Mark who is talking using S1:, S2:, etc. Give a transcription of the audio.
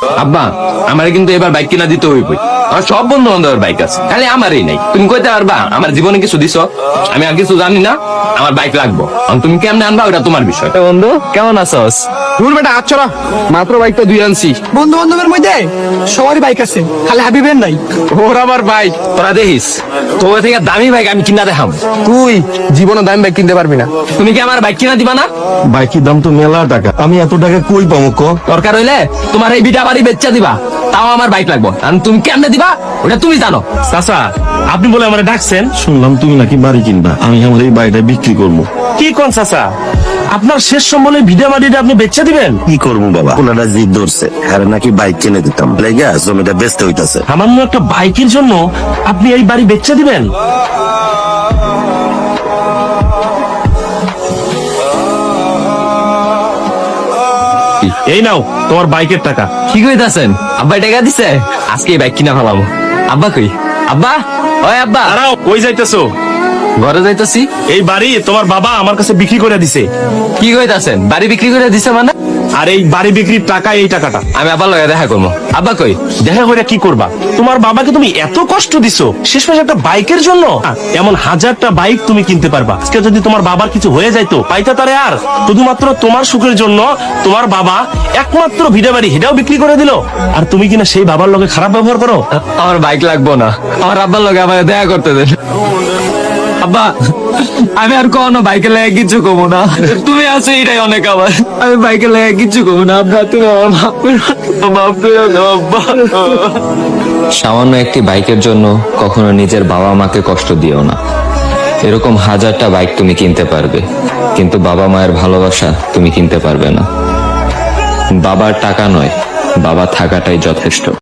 S1: আব্বা আমার কিন্তু এবার বাইক কিনা দিতে হইবই। আমার সব বন্ধু বান্ধবের বাইক আছে, খালি আমারই নাই। তুমি কইতে পারবা আমার জীবনে কিছু দিছ? আমি আর কিছু জানি না, আমার বাইক লাগবো। তুমি কেমনে আনবা ওটা তোমার বিষয়। বন্ধু কেমন আছস?
S2: দূর বেটা আচ্ছা, মাত্র বাইকটা দুই আনছি।
S3: বন্ধু বান্ধবের মধ্যে সবারই বাইক আছে, খালি হাবিবের নাই।
S2: ওর আবার বাইক।
S1: তোরা দেখিস তোর থেকে দামি বাইক আমি কিনা দেখাম।
S2: তুই জীবনে দামি বাইক কিনতে পারবি না।
S1: তুমি কি আমার বাইক কিনা দিবা না?
S4: বাইকের দাম তো মেলা টাকা, আমি এত টাকা কই পাবো ক?
S1: দরকার হইলে তোমার এই বিটা বাড়ি বেচা দিবা, তাও আমার বাইক লাগবো। আর তুমি কেমনে দিবা ওটা তুমি জানো।
S5: চাচা, আপনি বলে আমার ডাকছেন?
S4: শুনলাম তুমি নাকি বাড়ি কিনবা, আমি আমার এই বাড়িটা বিক্রি করবো।
S5: কি কোন চাচা, আপনার শেষ সম্বলে ভিডা মাটিটা আপনি বেচা দিবেন?
S4: কি করবো বাবা, ওনারা জিদ ধরছে, হ্যাঁ নাকি বাইক কিনে দিতাম, লেগে জমিটা বেচতে হইতাছে।
S5: সামান্য একটা বাইকের জন্য আপনি এই বাড়ি বেচা দিবেন? এই নাও তোমার বাইকের টাকা।
S1: কি কইতাছেন? আব্বা টাকা দিছে? আজকে এই বাইক কিনা ফেলাবো। আব্বা কই? আব্বা, ওই আব্বা।
S5: দাঁড়াও, কই যাইতেছো?
S1: ঘরে যাইতাছি।
S5: এই বাড়ি তোমার বাবা আমার কাছে বিক্রি করে দিছে।
S1: কি কইতাছেন? বাড়ি বিক্রি করে দিছে মানে?
S5: আর এই বাড়ি বিক্রির টাকা, এই টাকাটা
S1: আমি আব্বার লগে দেখা করবো। আব্বা কই?
S5: দেখা করে কি করবা? তোমার বাবাকে তুমি এত কষ্ট দিছো, শেষমেশ একটা বাইকের জন্য? এমন হাজারটা বাইক তুমি কিনতে পারবা। আজকে যদি তোমার বাবার কিছু হয়ে যাইতো, পাইতা তারে আর? শুধুমাত্র তোমার সুখের জন্য তোমার বাবা একমাত্র ভিডা বাড়ি হেটাও বিক্রি করে দিল, আর তুমি কিনা সেই বাবার লগে খারাপ ব্যবহার করো।
S1: আমার বাইক লাগবো না, আমার আব্বার লগে আমার দেখা করতে দেন। আব্বা আমি আর কোনো বাইকে লেগে কিছু কমো না, তুমি আছো এটাই অনেক। আমার আমি বাইকে লেগে কিছু কমো না। আব্বা তুমি আমার মাফ করে দাও আব্বা। সামান্য একটি বাইকের জন্য কখনো নিজের বাবা মাকে কষ্ট দিও না। এরকম হাজারটা বাইক তুমি কিনতে পারবে, কিন্তু বাবা মায়ের ভালোবাসা তুমি কিনতে পারবে না। বাবার টাকা নয়, বাবা থাকাটাই যথেষ্ট।